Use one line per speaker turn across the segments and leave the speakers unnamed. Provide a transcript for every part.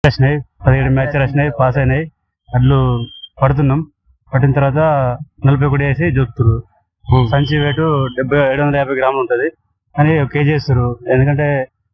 వచ్చినాయి 17 మ్యాచ్లు వచ్చినాయి, పాస్ అయినాయి. అడ్లు పడుతున్నాం. పట్టిన తర్వాత 41 వేసి చూపుతారు. సంచి వెయిట్ 750 గ్రాములు ఉంటుంది అని కేజీ వేస్తారు. ఎందుకంటే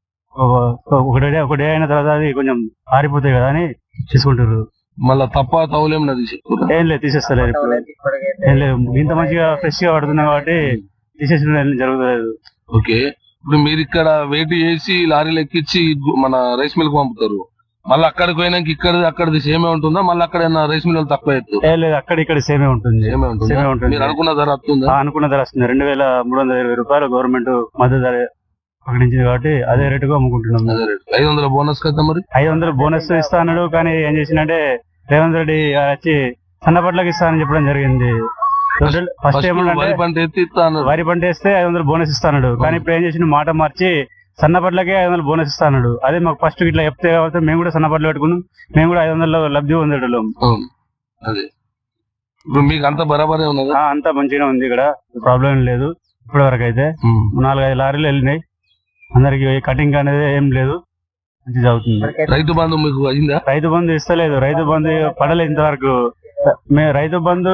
ఒక డే అయిన తర్వాత అది కొంచెం ఆరిపోతాయి కదా అని తీసుకుంటారు.
మళ్ళీ తప్ప తౌలేం
ఏం లేదు, తీసేస్తలేదు. ఇప్పుడు ఏం లేదు, ఇంత మంచిగా ఫ్రెష్ గా పడుతున్నాం కాబట్టి తీసేసిన జరుగుతుంది.
ఓకే, ఇప్పుడు మీరు ఇక్కడ వెయిట్ చేసి లారీలు ఎక్కించి మన రైస్ మిల్ కు పంపుతారు. మళ్ళీ అక్కడికి పోయినాక అక్కడిది సేమే ఉంటుందా? మళ్ళీ అక్కడ రైస్ మిల్ తక్కువ
ఏం లేదు, అక్కడ ఇక్కడ సేమే ఉంటుంది.
మీరు అనుకున్న ధర వస్తుందా?
అనుకున్న ధర వస్తుంది. 2320 రూపాయలు గవర్నమెంట్ మద్దతు ధర ప్రకటించింది కాబట్టి అదే రేటుగా అమ్ముకుంటున్నాం.
500 బోనస్ కదా, మరి
500 బోనస్ ఇస్తా అన్నాడు. కానీ ఏం చేసిందంటే రేవంత్ రెడ్డి వచ్చి సన్నపట్లకి ఇస్తానని చెప్పడం జరిగింది. ఫస్ట్
వరి
పంట వేస్తే 500 బోనస్ ఇస్తాడు. కానీ ఇప్పుడు ఏం చేసిన మాట మార్చి సన్నపట్లకే 500 బోనస్ ఇస్తాడు. అదే మాకు ఫస్ట్ ఇట్లా చెప్తే కాబట్టి మేము కూడా సన్నపట్లు పెట్టుకున్నాం. మేము కూడా 500 లబ్ధి పొందేటోళ్ళం.
అదే ఇప్పుడు మీకు అంత బరాబరే ఉన్నది,
అంతా మంచిగా ఉంది. ఇక్కడ ప్రాబ్లం లేదు. ఇప్పటి వరకు అయితే 4-5 లారీలు వెళ్ళినాయి. అందరికి కటింగ్ అనేది ఏం లేదు, మంచిగా అవుతుంది.
రైతు బంధు మీకు అయిందా?
రైతు బంధు ఇస్తలేదు. రైతు బంధు పడలేదు ఇంతవరకు. రైతు బంధు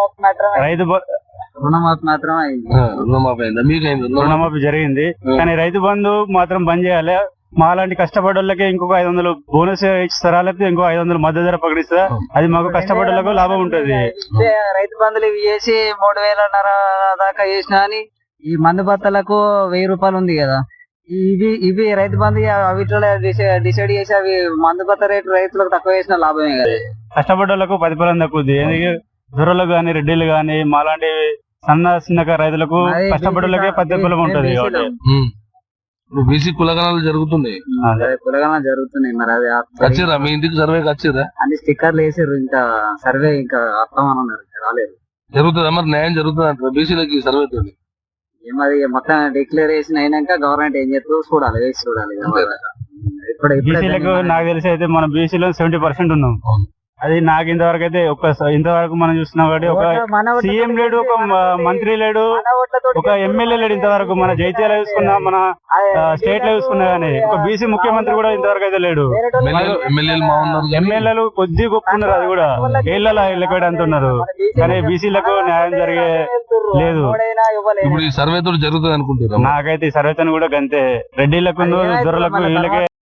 రుణమాఫీ జరిగింది. కానీ రైతు బంధు మాత్రం బంద్ చేయాలి. మాలాంటి కష్టపడే వాళ్ళకి ఇంకొక 500 బోనస్ ఇస్తారా, లేకపోతే ఇంకో 500 మద్దతు ధర ప్రకటిస్తారా? అది మాకు కష్టపడే వాళ్ళకు లాభం ఉంటది.
రైతు బంధులు ఇవి చేసి 3000 దాకా చేసినా అని ఈ మందు బత్తలకు 1000 రూపాయలు ఉంది కదా, ఇవి రైతు బంధు వీటిలో డిసైడ్ చేసి అవి మందు బత్త రేటు రైతులకు తక్కువ చేసిన లాభమే కదా.
కష్టపడే వాళ్ళకు ప్రతిఫలం తక్కువది. దొరలకు గాని రెడ్డిలు గాని మాలాంటి చిన్న రైతులకు కష్టపడే ప్రతిఫలం ఉంటది.
బీసీ కులగణాలు జరుగుతున్నాయి.
మరి అది
వచ్చిరా మీ ఇంటికి సర్వేకి వచ్చిరా?
అన్ని స్టిక్కర్లు వేసారు. ఇంకా సర్వే ఇంకా అర్థమన్నారు, రాలేదు.
జరుగుతుందా మరి? న్యాయం జరుగుతుంది అంటారు బీసీలకి సర్వే తోటి?
ఏమది మొత్తం డిక్లరేషన్ అయినాక గవర్నమెంట్ ఏం చేస్తుందో చూడాలి, వేసి చూడాలి.
బీసీలకు నాకు తెలిసి అయితే మన బీసీలో 70% ఉన్నాం. అది నాకు ఇంతవరకు అయితే ఇంతవరకు మనం చూస్తున్నాం కాబట్టి ఒక సీఎం లేడు, ఒక మంత్రి లేడు, ఒక ఎమ్మెల్యే లేడు ఇంతవరకు. మన జైత్యాల చూసుకున్నా, మన స్టేట్ లో చూసుకున్నా గానీ ఒక బీసీ ముఖ్యమంత్రి కూడా ఇంతవరకు అయితే లేడు. ఎమ్మెల్యేలు కొద్ది గొప్ప ఉన్నారు, అది కూడా ఏళ్ళలో లెక్కటి అంటున్నారు. కానీ బీసీలకు న్యాయం జరిగే లేదు.
ఇప్పుడు ఈ సర్వే తోటి జరుగుతుంది అనుకుంటున్నారు?
నాకైతే ఈ సర్వేతో కూడా గంతే. రెడ్డిలకు దొరలకు వీళ్ళకే